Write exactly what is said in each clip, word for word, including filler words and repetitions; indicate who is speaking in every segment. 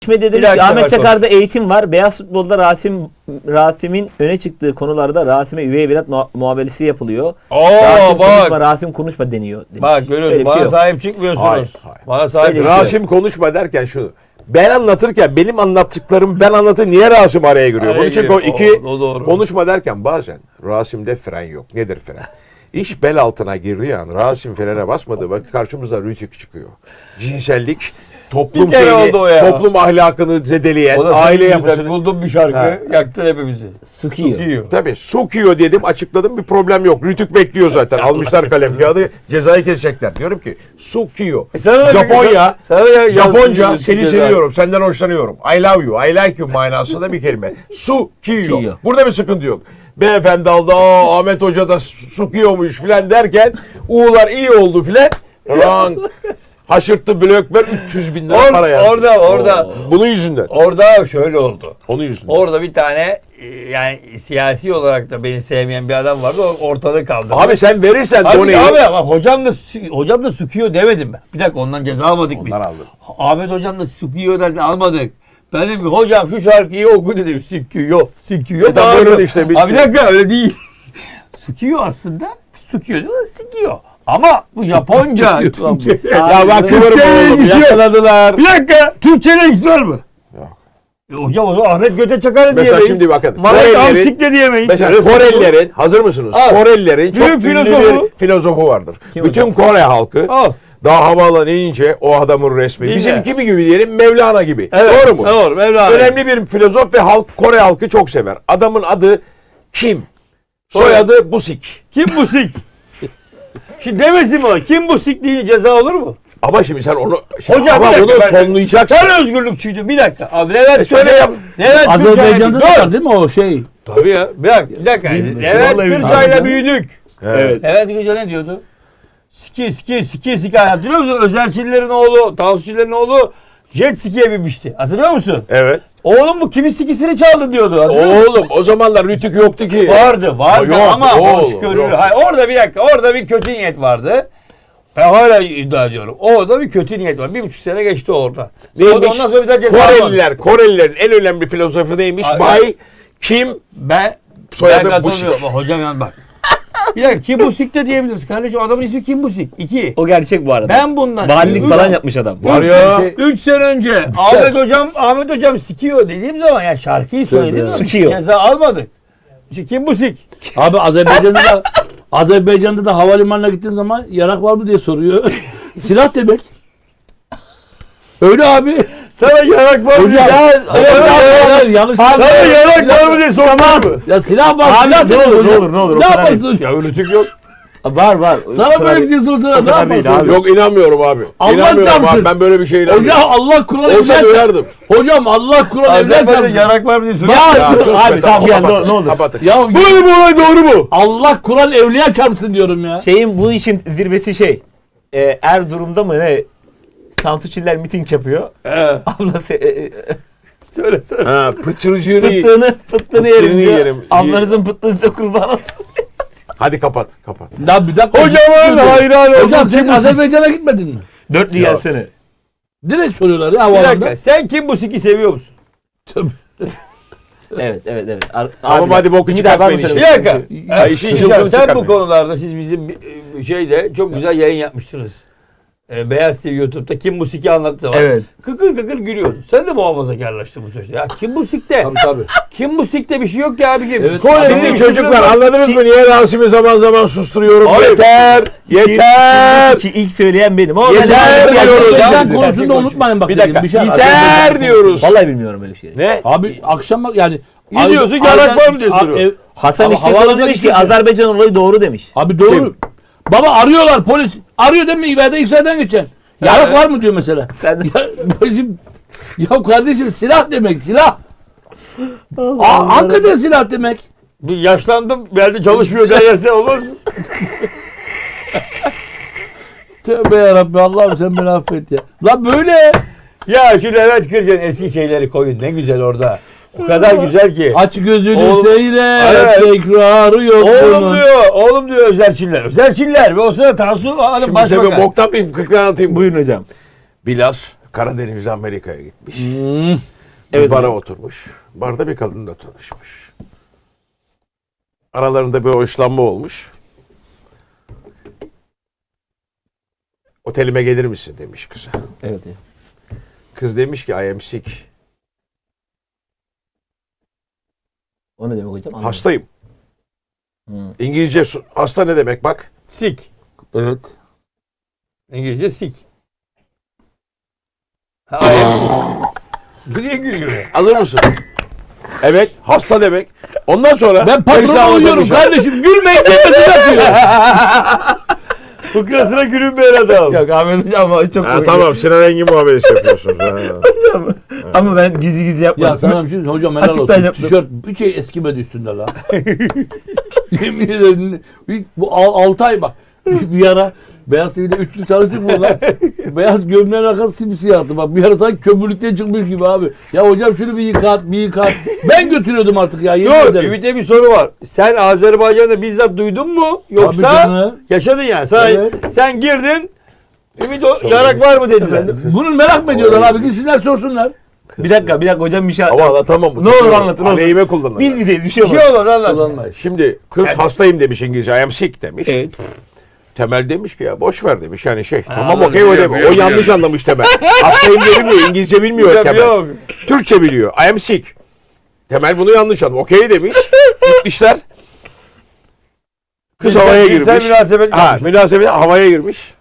Speaker 1: Dedim ki Ahmet Çakar'da eğitim var. Beyaz futbolda Rasim Rasim'in öne çıktığı konularda Rasim'e üvey evlat muamelesi yapılıyor.
Speaker 2: Oo,
Speaker 1: Rasim
Speaker 2: bak.
Speaker 1: konuşma, Rasim konuşma deniyor. Demiş.
Speaker 2: Bak görüyorsun, bana şey sahip çıkmıyorsunuz.
Speaker 3: Hayır, hayır.
Speaker 2: Bana sahip
Speaker 1: Öyle
Speaker 3: Rasim konuşma derken şunu. Ben anlatırken benim anlattıklarım ben anlatır niye Rasim araya giriyor? Bunun için
Speaker 2: giriyor.
Speaker 3: iki
Speaker 2: O- o doğru.
Speaker 3: konuşma derken bazen Rasim'de fren yok. Nedir fren? İş bel altına girdiği an Rasim frene basmadığı vakit karşımıza rütük çıkıyor. Cinsellik, toplum
Speaker 2: Bir kere
Speaker 3: şeyini,
Speaker 2: oldu o ya.
Speaker 3: toplum ahlakını zedeleyen,
Speaker 2: O da
Speaker 3: aile
Speaker 2: senin
Speaker 3: yapısını.
Speaker 2: yüzünden buldum bir şarkı,
Speaker 3: Ha.
Speaker 2: yaktın hepimizi.
Speaker 1: Sıkıyor.
Speaker 2: Sıkıyor.
Speaker 3: Tabii sokuyor dedim, açıkladım, bir problem yok. Rütük bekliyor zaten. Almışlar kalem kağıdı, cezayı kesecekler. Diyorum ki sokuyor.
Speaker 2: E sana da-
Speaker 3: Japonya,
Speaker 2: sana da yaz-
Speaker 3: Japonca
Speaker 2: yaz-
Speaker 3: seni
Speaker 2: ceza.
Speaker 3: seviyorum, senden hoşlanıyorum. I love you, I like you manasında bir kelime. Sukiyo.
Speaker 1: Sukiyo.
Speaker 3: Burada bir sıkıntı yok. Beyefendi aldı, aa Ahmet Hoca da sukiyormuş filan derken U'lar iyi oldu filan. Rank. Haşırttı blökber üç yüz bin lira
Speaker 2: Or-
Speaker 3: para yazdı.
Speaker 2: orada, orada.
Speaker 3: Oo. Bunun yüzünden.
Speaker 2: Orada şöyle oldu.
Speaker 3: Onun yüzünden.
Speaker 2: Orada bir tane e, yani siyasi olarak da beni sevmeyen bir adam vardı. O ortada kaldı.
Speaker 3: Abi sen verirsen
Speaker 2: Abi,
Speaker 3: doneyi.
Speaker 2: abi ama hocam da sü- hocam da sıkıyor demedim ben. Bir dakika ondan ceza almadık biz.
Speaker 3: Ondan aldım.
Speaker 2: Ahmet hocam da sıkıyor derken almadık. Ben dedim ki hocam şu şarkıyı oku dedim. Sıkıyor, sıkıyor.
Speaker 3: E tamam, öyle işte, bitti.
Speaker 2: Abi bir dakika öyle değil. Sıkıyor aslında. Sıkıyor değil mi? Sıkıyor. Ama bu Japonca. Türkçe.
Speaker 3: Ya bak kıvırım
Speaker 2: Türkçeyle
Speaker 3: oğlum,
Speaker 2: ilgisi yok.
Speaker 3: yakaladılar.
Speaker 2: Bir dakika. Türkçeyle ilgisi var mı?
Speaker 3: Yok.
Speaker 2: E hocam o zaman Ahmet Göte Çakar'ı
Speaker 3: Mesela
Speaker 2: diyemeyiz.
Speaker 3: şimdi bakın,
Speaker 2: Mehmet
Speaker 3: Korelilerin-
Speaker 2: Amsik de diyemeyiz.
Speaker 3: Mesela
Speaker 2: Öyle
Speaker 3: Korelilerin, hazır mısınız?
Speaker 2: Al.
Speaker 3: Korelilerin çok
Speaker 2: Büyük
Speaker 3: ünlü
Speaker 2: filozofu.
Speaker 3: bir filozofu vardır.
Speaker 1: Kim
Speaker 3: Bütün
Speaker 1: hocam?
Speaker 3: Kore halkı
Speaker 2: Al.
Speaker 3: daha havaalanı inince o adamın resmi.
Speaker 2: Değil
Speaker 3: Bizim
Speaker 2: mi?
Speaker 3: kimi gibi diyelim, Mevlana gibi.
Speaker 2: Evet,
Speaker 3: Doğru mu?
Speaker 2: Doğru. Mevlana.
Speaker 3: Önemli bir filozof ve halk Kore halkı çok sever. Adamın adı Kim. Soyadı Busik.
Speaker 2: Kim bu sik? Şimdi demesin mi? Kim bu sik diye ceza olur mu?
Speaker 3: Ama şimdi sen onu
Speaker 2: Hocam
Speaker 3: ama
Speaker 2: bir dakika,
Speaker 3: bunu
Speaker 2: ben-
Speaker 3: tonlayacaksın.
Speaker 2: Sen özgürlükçüydün. Bir dakika. Abi Levent
Speaker 3: E şöyle
Speaker 2: Kırcay-
Speaker 3: yap.
Speaker 2: Levent
Speaker 4: Azerbaycan'da da
Speaker 2: Kırcay-
Speaker 4: var değil mi o şey?
Speaker 2: Tabii ya. Bir dakika. Bir dakika.
Speaker 1: Bilmiyorum.
Speaker 2: Levent
Speaker 1: Vallahi
Speaker 2: Kırcay'la
Speaker 4: bilmiyorum.
Speaker 2: büyüdük.
Speaker 3: Evet.
Speaker 2: Levent Kırcay ne diyordu? Siki siki siki siki. Hatırlıyor musun? Özerçillerin oğlu, Tansuçillerin oğlu jet ski'ye binmişti. Hatırlıyor musun?
Speaker 3: Evet.
Speaker 2: Oğlum bu kimin sikisini çaldı diyordu. Hatırlıyor musun?
Speaker 3: Oğlum o zamanlar rütük yoktu ki.
Speaker 2: Vardı, vardı
Speaker 3: Yok,
Speaker 2: ama
Speaker 3: oğlum,
Speaker 2: hoşgörülü.
Speaker 3: yok.
Speaker 2: Hayır, orada bir dakika, orada bir kötü niyet vardı. Ben hala iddia ediyorum. Orada bir kötü niyet var. Bir buçuk sene geçti orada.
Speaker 3: Neymiş?
Speaker 2: Ondan sonra bir daha ceza almadı.
Speaker 3: Koreliler, Korelilerin en önemli filozofu neymiş?
Speaker 2: Ay-
Speaker 3: Bay Kim
Speaker 2: Ben,
Speaker 3: Soyadı
Speaker 2: ben katılmıyorum.
Speaker 3: Busik.
Speaker 2: Hocam yani bak. Bir dakika Kim Busik de diyebiliriz. Kardeşim adamın ismi Kim Busik. İki.
Speaker 1: O gerçek bu arada.
Speaker 2: Ben bundan.
Speaker 1: Valilik
Speaker 2: Üç-
Speaker 1: falan yapmış adam.
Speaker 3: var ya.
Speaker 2: Üç sene önce Ahmet hocam Ahmet hocam sikiyor dediğim zaman ya şarkıyı söylediğim zaman
Speaker 1: Sikiyor.
Speaker 2: ceza almadık. İşte Kim Busik?
Speaker 4: Abi Azerbaycan'da da Azerbaycan'da da havalimanına gittiğin zaman yarak var mı diye soruyor. Silah demek. Öyle abi.
Speaker 2: Sana yarak var mı?
Speaker 4: Hocam,
Speaker 2: Ya,
Speaker 4: hayır, hayır, hayır, yanlış.
Speaker 2: Sana yarak var mı diye sormaz mı?
Speaker 4: Ya silah var.
Speaker 1: Abi,
Speaker 4: silah
Speaker 1: ne
Speaker 4: demek
Speaker 1: olur,
Speaker 4: hocam.
Speaker 1: ne olur, ne olur, o
Speaker 4: Ne
Speaker 1: kadar
Speaker 4: yaparsın?
Speaker 2: Ya öyle tük yok.
Speaker 1: Var var.
Speaker 4: Sana böyle bir şey sorsana ne
Speaker 1: kadar değil
Speaker 4: yaparsın?
Speaker 1: abi.
Speaker 3: Yok inanmıyorum abi.
Speaker 4: Allah
Speaker 3: İnanmıyorum
Speaker 4: çarpsın.
Speaker 3: abi. Ben böyle bir şey inanmıyorum.
Speaker 4: Hocam Allah Kur'an
Speaker 3: Olsa
Speaker 4: evler
Speaker 3: duyardım.
Speaker 4: Hocam Allah Kur'an evler
Speaker 2: Azerbaycan'da
Speaker 4: çarpsın.
Speaker 2: yarak var mı diye soruyor.
Speaker 4: Ya,
Speaker 3: Ya, sus be,
Speaker 1: abi, tamam, gel,
Speaker 3: kapatın,
Speaker 1: ne- ne olur.
Speaker 3: kapatın.
Speaker 4: Ya
Speaker 2: Böyle bu olay doğru mu?
Speaker 4: Allah Kur'an evliya çarpsın diyorum ya.
Speaker 1: Şeyin bu işin zirvesi şey. E, Erzurum'da mı ne? Tansu Çiller miting yapıyor.
Speaker 2: He.
Speaker 1: Ablası e, e,
Speaker 2: Söyle söyle.
Speaker 3: Ha, pıtırcığını
Speaker 1: pıttığını, pıttığını yerim diyor.
Speaker 3: yerim.
Speaker 1: Ablanızın pıttığını size kurban olsun.
Speaker 3: Hadi kapat, kapat.
Speaker 4: Ya bir dakika.
Speaker 2: Hocamın hayran oldum.
Speaker 4: Hocam sen
Speaker 2: Kim bu sik?
Speaker 4: Azerbaycan'a gitmedin mi?
Speaker 1: Dörtlü
Speaker 3: Ya.
Speaker 1: gelsene.
Speaker 4: Direkt soruyorlar ya
Speaker 2: Bir
Speaker 4: havalanda.
Speaker 2: dakika. Sen Kim bu siki seviyor musun?
Speaker 1: Evet evet evet. Ar-
Speaker 3: Tamam,
Speaker 1: abi,
Speaker 3: hadi boku
Speaker 1: bir daha
Speaker 3: çıkartmayın
Speaker 1: ben mi
Speaker 3: işi.
Speaker 2: Bir
Speaker 1: söylemek
Speaker 2: dakika.
Speaker 1: istiyorum?
Speaker 3: Ya
Speaker 2: Evet,
Speaker 3: işin
Speaker 2: Hocam,
Speaker 3: cılkını
Speaker 2: sen bu
Speaker 3: çıkarmayın.
Speaker 2: konularda siz bizim e, şeyde çok güzel yayın yapmıştınız. E, Beyaz T V YouTube'da Kim Musik'i anlattığı zaman.
Speaker 1: Evet.
Speaker 2: Kıkır kıkır gülüyordun. Sen de muhafazakarlaştın bu süreçte. Ya Kim Musik'te?
Speaker 4: Tabii tabii.
Speaker 2: Kim Musik'te bir şey yok ki abiciğim.
Speaker 4: Evet.
Speaker 2: Kore'de
Speaker 3: Şimdi
Speaker 2: bir
Speaker 3: çocuklar
Speaker 2: şey yok.
Speaker 3: anladınız mı? Niye Rasim'i zaman zaman susturuyorum?
Speaker 2: Hayır.
Speaker 3: Yeter! Yeter!
Speaker 1: Ki ilk söyleyen benim. O
Speaker 3: Yeter
Speaker 1: ben-
Speaker 3: diyoruz.
Speaker 4: Azerbaycan
Speaker 3: Bizim-
Speaker 4: konusunda unutmayın bak.
Speaker 3: Bir
Speaker 4: dedim,
Speaker 3: dakika.
Speaker 4: şey-
Speaker 3: Yeter diyoruz.
Speaker 1: Vallahi bilmiyorum öyle bir şey.
Speaker 3: Ne?
Speaker 4: Abi akşam bak yani.
Speaker 2: Ne diyorsun, yarak var mı diye soruyor.
Speaker 4: Ev-
Speaker 1: Hasan
Speaker 4: Abi
Speaker 1: İşçioğlu
Speaker 4: havaalanına
Speaker 1: demiş ki
Speaker 4: gideceksin.
Speaker 1: Azerbaycan olayı doğru demiş.
Speaker 4: Abi doğru. Baba arıyorlar polis. Arıyor değil mi? İbade İksa'dan geçen. Yarak
Speaker 2: Evet.
Speaker 4: var mı diyor mesela.
Speaker 1: Sen
Speaker 4: Ya, bacım, ya kardeşim silah demek silah. Aa, hakikaten silah demek.
Speaker 2: Bir yaşlandım. Belki çalışmıyor derse olmaz mı?
Speaker 4: Tövbe yarabbi Allah'ım sen beni affet ya. La böyle.
Speaker 2: Ya şu Levent Kırca'nın eski şeyleri koyun. Ne güzel orada. O kadar güzel ki.
Speaker 4: Aç gözünü
Speaker 2: Oğlum-
Speaker 4: seyret.
Speaker 2: Evet.
Speaker 4: Tekrarı yok
Speaker 2: Oğlum
Speaker 4: bunun.
Speaker 2: diyor, oğlum diyor Özerçiller. Özerçiller ve o sırada Tansu Hanım
Speaker 3: Şimdi size bir
Speaker 2: başbakan.
Speaker 3: boktan bir fıkra anlatayım.
Speaker 1: buyurun hocam.
Speaker 3: Biraz Karadeniz'e Amerika'ya gitmiş.
Speaker 4: Hmm.
Speaker 3: Bir
Speaker 1: Evet,
Speaker 3: bara
Speaker 1: hocam.
Speaker 3: oturmuş. Barda bir kadınla tanışmış. Aralarında bir hoşlanma olmuş. Otelime gelir misin demiş kıza.
Speaker 1: Evet. evet.
Speaker 3: Kız demiş ki I am sick.
Speaker 1: O ne demek hocam? Anlamadım.
Speaker 3: Hastayım.
Speaker 1: Hı.
Speaker 3: İngilizce su- hasta ne demek bak.
Speaker 2: Sik.
Speaker 4: Evet.
Speaker 2: İngilizce sik. Ha, ayak. Niye gülüyor?
Speaker 3: Alır mısın? Evet, hasta demek. Ondan sonra
Speaker 4: Ben patron
Speaker 3: Perişan
Speaker 4: oluyorum
Speaker 3: olmuş.
Speaker 4: kardeşim. Gülmeyin demesi atıyor.
Speaker 2: Fıkrasına gülünmeyen adam.
Speaker 1: Yok Ahmet hocam ama çok
Speaker 3: Ha,
Speaker 1: komik.
Speaker 3: tamam Sinan Engin muamelesi yapıyorsunuz. Ha.
Speaker 1: Hocam. Ama ben gizli gizli yapmadım.
Speaker 4: Ya sana bir şey hocam helal
Speaker 1: Açıktan
Speaker 4: olsun.
Speaker 1: yaptım.
Speaker 4: Tişört bir şey eskimedi üstünde la. Yemin ederim. bir- Bu altı ay bak. Bir, bir ara Beyaz T V'de üç yıl çalıştık burada. Beyaz gömleğin arkası simsiyahtı. Bak bir ara sanki kömürlükten çıkmış gibi abi. Ya hocam şunu bir yıkat, bir yıkat. Ben götürüyordum artık ya. Yemin
Speaker 2: Dur,
Speaker 4: ederim.
Speaker 2: Ümit'e bir soru var. Sen Azerbaycan'da bizzat duydun mu?
Speaker 4: Tabii
Speaker 2: Yoksa
Speaker 4: canım.
Speaker 2: yaşadın yani. Sen,
Speaker 4: Evet.
Speaker 2: sen girdin. Ümit o yarak var mı dediler.
Speaker 4: Bunu merak mı ediyorlar abi? Gitsinler sorsunlar.
Speaker 1: Bir dakika bir dakika hocam bir şey
Speaker 3: Ama anlatamam. bu.
Speaker 1: Ne olur anlatın, olur.
Speaker 3: Aleyhime kullanırım.
Speaker 1: Biz bizeyiz bir şey
Speaker 2: Bir
Speaker 1: olmaz.
Speaker 2: şey olmaz anlat.
Speaker 4: Kullanmayız.
Speaker 3: Şimdi kız hastayım demiş İngilizce. I am sick demiş.
Speaker 1: Evet.
Speaker 3: Temel demiş ki ya boş ver demiş. Yani şey tamam
Speaker 2: anladım,
Speaker 3: okey o
Speaker 2: biliyorum,
Speaker 3: demiş. O
Speaker 2: biliyorum,
Speaker 3: yanlış anlamış Temel. Hastayım diye bilmiyor. İngilizce bilmiyor
Speaker 2: Hocam
Speaker 3: Temel.
Speaker 2: yok.
Speaker 3: Türkçe biliyor. I am sick. Temel bunu yanlış anlamış. Okey demiş. Gitmişler. Kız havaya
Speaker 2: Cinsel
Speaker 3: girmiş.
Speaker 2: münasebet
Speaker 3: Ha,
Speaker 2: yapmış.
Speaker 3: münasebet havaya girmiş.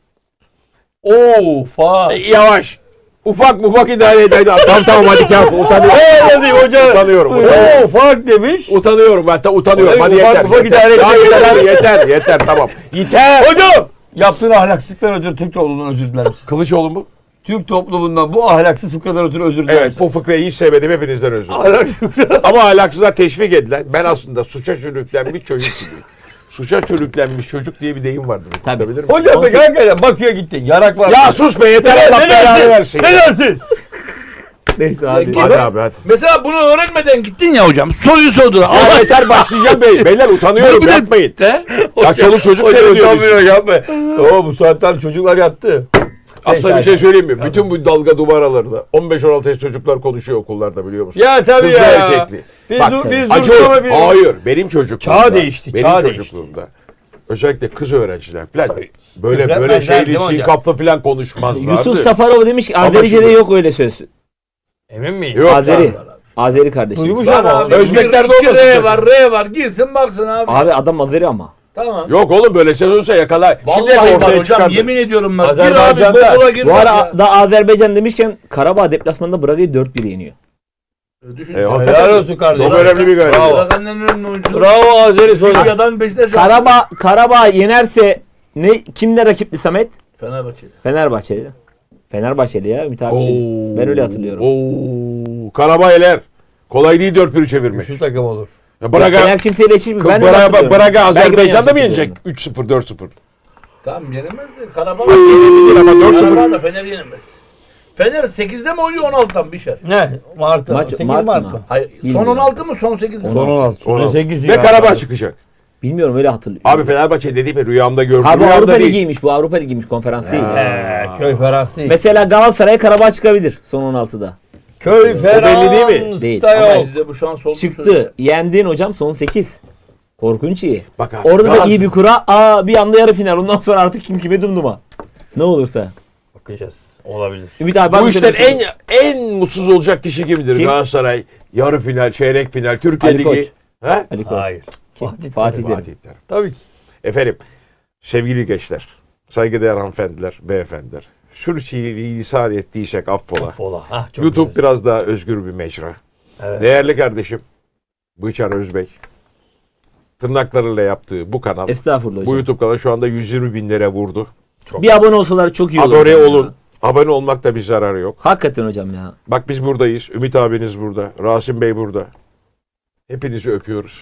Speaker 2: Oo fa.
Speaker 3: E, yavaş. Ufak ufak idare eder. Tamam tamam hadi kağıt. Utanıyorum.
Speaker 2: Ee dedim hoca.
Speaker 3: Utanıyorum.
Speaker 2: Oo fark demiş.
Speaker 3: Utanıyorum hatta utanıyorum. Hadi
Speaker 2: Ufak
Speaker 3: yeter.
Speaker 2: ufak
Speaker 3: yeter.
Speaker 2: idare
Speaker 3: Ya
Speaker 2: edecek.
Speaker 3: yeter, yeter, yeter, tamam. Yeter.
Speaker 2: Hocam. Yaptığın ahlaksızlıktan ötürü Türk toplumundan özür diler misin?
Speaker 3: Kılıçoğlu mu?
Speaker 2: Türk toplumundan bu ahlaksız fıkradan ötürü özür diler
Speaker 3: Evet,
Speaker 2: misin?
Speaker 3: bu fıkrayı hiç sevmedim. Hepinizden özür dilerim.
Speaker 2: Ahlaksız fıkra.
Speaker 3: Ama ahlaksızlığa teşvik edilen, ben aslında suça sürüklenmiş çocuk gibiyim. Suça sürüklenmiş çocuk diye bir deyim vardır.
Speaker 1: Tabii.
Speaker 3: Okutabilir miyim?
Speaker 2: Hocam peki hakikaten bakıyor gittin. Yarak var.
Speaker 3: Ya sus be yeter Allah belanı versin.
Speaker 2: Ne dersin?
Speaker 1: Neyse hadi.
Speaker 3: Hadi abi hadi.
Speaker 4: Mesela bunu öğrenmeden gittin ya hocam. Soruyu sordular.
Speaker 3: Ya
Speaker 4: Allah
Speaker 3: yeter başlayacağım bey. Beyler utanıyorum
Speaker 4: bir de-
Speaker 3: yapmayın.
Speaker 4: de.
Speaker 3: Ya çoluk çocuk
Speaker 2: Hocam
Speaker 3: seyrediyor bizi.
Speaker 2: utanmıyor yapma. Oo bu saatten çocuklar yattı.
Speaker 3: Aslında bir şey söyleyeyim mi? Bütün bu dalga duvarlarında on beş on altı yaş çocuklar konuşuyor okullarda biliyor musun?
Speaker 2: Ya tabii
Speaker 3: Kızlı
Speaker 2: ya.
Speaker 3: erkekli.
Speaker 2: Biz,
Speaker 3: Bak,
Speaker 2: du- biz
Speaker 3: acı
Speaker 2: durduk ama
Speaker 3: olur.
Speaker 2: biz...
Speaker 3: Hayır benim çocukluğumda.
Speaker 2: Çağ değişti,
Speaker 3: Benim
Speaker 2: çağ değişti.
Speaker 3: çocukluğumda. Özellikle kız öğrenciler falan böyle
Speaker 2: Öğretmenler
Speaker 3: böyle şeyli
Speaker 2: değil mi hocam?
Speaker 3: sinkaplı falan konuşmazlardı.
Speaker 1: Yusuf Safarov demiş ki
Speaker 3: Ama
Speaker 1: Azerice'de
Speaker 3: şimdi-
Speaker 1: yok öyle söz.
Speaker 2: Emin miyim?
Speaker 3: Yok.
Speaker 1: Azeri. Azeri kardeşim.
Speaker 2: Duymuş
Speaker 1: Abi.
Speaker 2: ama.
Speaker 4: Abi,
Speaker 3: Özbeklerde
Speaker 4: bir- iki
Speaker 3: olmasın
Speaker 4: R
Speaker 3: sakın.
Speaker 4: var, R var. Girsin baksın abi.
Speaker 1: adam Azeri ama.
Speaker 4: Tamam.
Speaker 3: Yok oğlum böyle şey olursa yakalar. Şimdi
Speaker 4: Vallahi var
Speaker 3: ortaya
Speaker 4: hocam.
Speaker 3: çıkardı.
Speaker 4: Yemin ediyorum ben. Gir abi
Speaker 2: Azerbaycan'da-
Speaker 4: Google'a gir.
Speaker 1: Bu
Speaker 4: bak
Speaker 1: ara
Speaker 4: ya.
Speaker 1: da Azerbaycan demişken Karabağ deplasmanında Braga'yı dört bir yeniyor.
Speaker 4: Düşün.
Speaker 3: E, hakikaten
Speaker 2: Helal olsun kardeşim.
Speaker 3: Çok önemli bir gayret.
Speaker 2: Bravo.
Speaker 4: Bırakanların önüne oyuncu.
Speaker 2: Bravo Azeri soydu.
Speaker 4: Türkiye'den Beşiktaş.
Speaker 1: Karabağ Karabağ yenerse ne kimle rakipli Samet?
Speaker 4: Fenerbahçe'de.
Speaker 1: Fenerbahçeli. Fenerbahçeli ya Ümit abi.
Speaker 3: Oo.
Speaker 1: Ben öyle hatırlıyorum.
Speaker 3: Oo. Karabaylar. Kolay değil dört bir çevirmek.
Speaker 2: Şu takım olur.
Speaker 3: Ya Braga,
Speaker 1: Fener kimseyle eşitmiyor. Ben öyle
Speaker 3: Braga,
Speaker 1: hatırlıyorum.
Speaker 3: Braga
Speaker 1: Belki ben
Speaker 3: Azerbaycan'da mı
Speaker 1: yanlış
Speaker 3: yenecek?
Speaker 1: hatırlıyorum.
Speaker 3: üç sıfır dört sıfır.
Speaker 4: Tamam yenemez de Karabağ.
Speaker 3: Yenebilir ama dört sıfır.
Speaker 4: Karabağ da Fener yenemez. Fener sekizde mi oynuyor on altıdan bir şey?
Speaker 2: Ne? Mart'ta.
Speaker 1: Maç-
Speaker 2: sekiz
Speaker 1: Mart mı?
Speaker 2: Mart'ta.
Speaker 4: Hayır.
Speaker 1: Bilmiyorum.
Speaker 4: Son on altı mı son sekiz mi?
Speaker 1: Son on
Speaker 2: altı.
Speaker 3: Son altı.
Speaker 2: sekiz
Speaker 3: Ve
Speaker 2: ya.
Speaker 3: Karabağ çıkacak.
Speaker 1: Bilmiyorum öyle hatırlıyorum.
Speaker 3: Abi Fenerbahçe dediğimi rüyamda gördüm.
Speaker 1: Ha bu
Speaker 3: Rüyamda
Speaker 1: Avrupa
Speaker 3: değil.
Speaker 1: Ligi'ymiş. Bu Avrupa Ligi'ymiş konferans değil.
Speaker 2: Ee, köy Ferans değil.
Speaker 1: Mesela Galatasaray'a Karabağ çıkabilir son on altıda.
Speaker 2: Köy
Speaker 3: belli
Speaker 2: Ferans
Speaker 3: değil mi?
Speaker 1: Değil.
Speaker 2: da
Speaker 1: Ama
Speaker 2: yok.
Speaker 4: Bizde bu şans oldu.
Speaker 1: Çıktı. Yendin hocam son sekiz. Korkunç iyi.
Speaker 3: Bak abi.
Speaker 1: Orada da
Speaker 3: Galatasaray-
Speaker 1: iyi bir kura. Aa bir anda yarı final. Ondan sonra artık kim kime dumduma. Ne olursa.
Speaker 2: Bakacağız. Olabilir.
Speaker 1: Ümit abi ben
Speaker 3: Bu
Speaker 1: bir
Speaker 3: işten
Speaker 1: şey-
Speaker 3: en en mutsuz olacak kişi kimdir?
Speaker 1: Kim?
Speaker 3: Galatasaray, yarı final, çeyrek final, Türkiye
Speaker 1: Ali Koç.
Speaker 3: Ligi. He?
Speaker 1: Ali Koç.
Speaker 2: Hayır.
Speaker 1: Kim?
Speaker 2: Fatih
Speaker 1: Fatih
Speaker 2: Terim.
Speaker 1: Terim.
Speaker 3: Fatih Terim.
Speaker 2: Tabii ki.
Speaker 3: Efendim, sevgili gençler, saygıdeğer hanımefendiler, beyefendiler. Sürçülisan lisan ettiysek affola.
Speaker 2: Fola. Hah, çok
Speaker 3: YouTube
Speaker 2: güzel.
Speaker 3: biraz daha özgür bir mecra.
Speaker 2: Evet.
Speaker 3: Değerli kardeşim, Bıçar Özbek, tırnaklarıyla yaptığı bu kanal,
Speaker 1: Estağfurullah
Speaker 3: bu
Speaker 1: hocam.
Speaker 3: YouTube kanalı şu anda yüz yirmi bin lira vurdu.
Speaker 1: Bir abone olsalar çok iyi olur.
Speaker 3: Abone
Speaker 1: hocam ya.
Speaker 3: olun. Abone olmakta bir zararı yok.
Speaker 1: Hakikaten hocam ya.
Speaker 3: Bak biz buradayız. Ümit abiniz burada. Rasim Bey burada. Hepinizi öpüyoruz.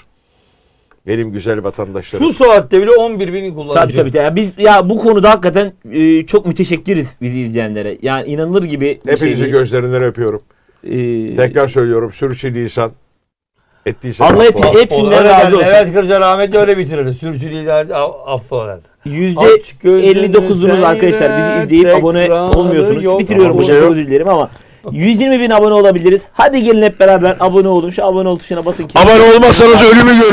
Speaker 3: Benim güzel vatandaşlarım.
Speaker 2: Şu saatte bile on bir bin kullanıcı.
Speaker 1: Tabii tabii. Ya biz ya bu konuda hakikaten e, çok müteşekkiriz bizi izleyenlere. Yani inanılır gibi bir
Speaker 3: Hepinizi
Speaker 1: şey değil.
Speaker 3: gözlerinden öpüyorum.
Speaker 1: E,
Speaker 3: Tekrar söylüyorum. Sürçülisan Ettiği şey.
Speaker 1: Allah
Speaker 3: affola.
Speaker 1: hepsi- hepsinden
Speaker 2: Öyle
Speaker 1: razı
Speaker 2: derdi.
Speaker 1: olsun.
Speaker 2: Evet Kırca rahmetli öyle bitirirdi. Sürçüliler affolar.
Speaker 1: yüzde
Speaker 2: Aç gözünü
Speaker 1: elli dokuzunuz
Speaker 2: seyret,
Speaker 1: arkadaşlar bizi izleyip abone
Speaker 2: tekrarı
Speaker 1: olmuyorsunuz.
Speaker 2: yok.
Speaker 1: Bitiriyorum
Speaker 3: Ama
Speaker 1: burada,
Speaker 3: bir şey
Speaker 1: çok
Speaker 3: yok.
Speaker 1: özür dilerim ama yüz yirmi bin abone olabiliriz. Hadi gelin hep beraber abone olun. Şu abone ol tuşuna basın ki.
Speaker 3: Abone olmazsanız ölümü görün.